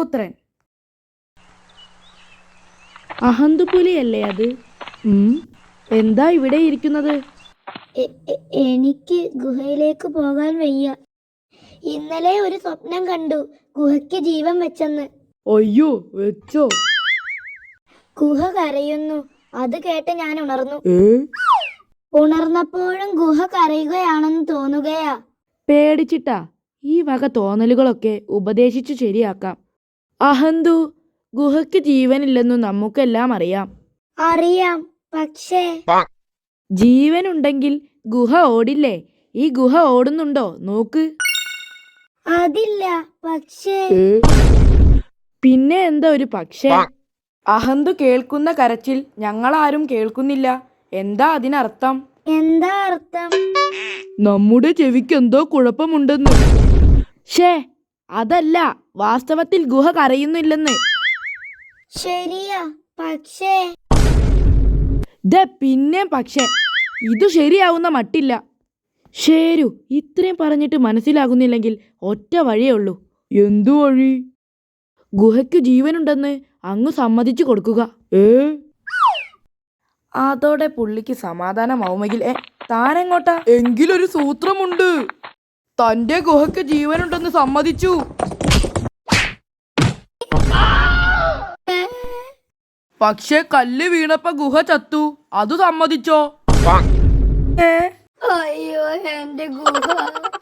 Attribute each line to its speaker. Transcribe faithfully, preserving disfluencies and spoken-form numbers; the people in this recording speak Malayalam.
Speaker 1: പുത്രൻ. അഹന്തുപുലിയല്ലേ അത്? ഉം എന്താ ഇവിടെ ഇരിക്കുന്നത്?
Speaker 2: എനിക്ക് ഗുഹയിലേക്ക് പോകാൻ വയ്യ. ഇന്നലെ ഒരു സ്വപ്നം കണ്ടു, ഗുഹയ്ക്ക് ജീവൻ വെച്ചെന്ന്.
Speaker 1: അയ്യോ, വെച്ചോ?
Speaker 2: ഗുഹ കരയുന്നു. അത് കേട്ട് ഞാൻ ഉണർന്നു. ഉണർന്നപ്പോഴും ഗുഹ കരയുകയാണെന്ന് തോന്നുകയാ.
Speaker 1: പേടിച്ചിട്ടാ? ഈ വക തോന്നലുകളൊക്കെ ഉപദേശിച്ചു ശരിയാക്കാം. അഹന്തു, ഗുഹയ്ക്ക് ജീവനില്ലെന്നു നമുക്കെല്ലാം അറിയാം.
Speaker 2: അറിയാം, പക്ഷേ
Speaker 1: ജീവനുണ്ടെങ്കിൽ ഗുഹ ഓടില്ലേ? ഈ ഗുഹ ഓടുന്നുണ്ടോ? നോക്ക്.
Speaker 2: അതില്ല, പക്ഷേ
Speaker 1: പിന്നെ എന്താ ഒരു പക്ഷേ? അഹന്തു കേൾക്കുന്ന കരച്ചിൽ ഞങ്ങളാരും കേൾക്കുന്നില്ല. എന്താ അതിനർത്ഥം?
Speaker 2: എന്താ അർത്ഥം?
Speaker 1: നമ്മുടെ ചെവിക്ക് എന്തോ കുഴപ്പമുണ്ടെന്ന്. ഷേ, അതല്ല, വാസ്തവത്തിൽ ഗുഹ കരയുന്നില്ലെന്ന്.
Speaker 2: ശരിയാ, പക്ഷേ
Speaker 1: ദേ പിന്നെ പക്ഷേ, ഇത് ശരിയാവുന്ന മട്ടില്ല. ശരു, ഇത്രയും പറഞ്ഞിട്ട് മനസ്സിലാകുന്നില്ലെങ്കിൽ ഒറ്റ വഴിയേ ഉള്ളൂ. എന്തു വഴി? ഗുഹയ്ക്ക് ജീവനുണ്ടെന്ന് അങ്ങ് സമ്മതിച്ചു കൊടുക്കുക. ഏ അതോടെ പുള്ളിക്ക് സമാധാനമാവുമെങ്കിൽ. ഏ താനെങ്ങോട്ടാ? എങ്കിലൊരു സൂത്രമുണ്ട്. തന്റെ ഗുഹയ്ക്ക് ജീവനുണ്ടെന്ന് സമ്മതിച്ചു. പക്ഷെ കല്ല് വീണപ്പോ ഗുഹ ചത്തു. അത് സമ്മതിച്ചോ?
Speaker 2: അയ്യോ, എന്റെ ഗുഹ.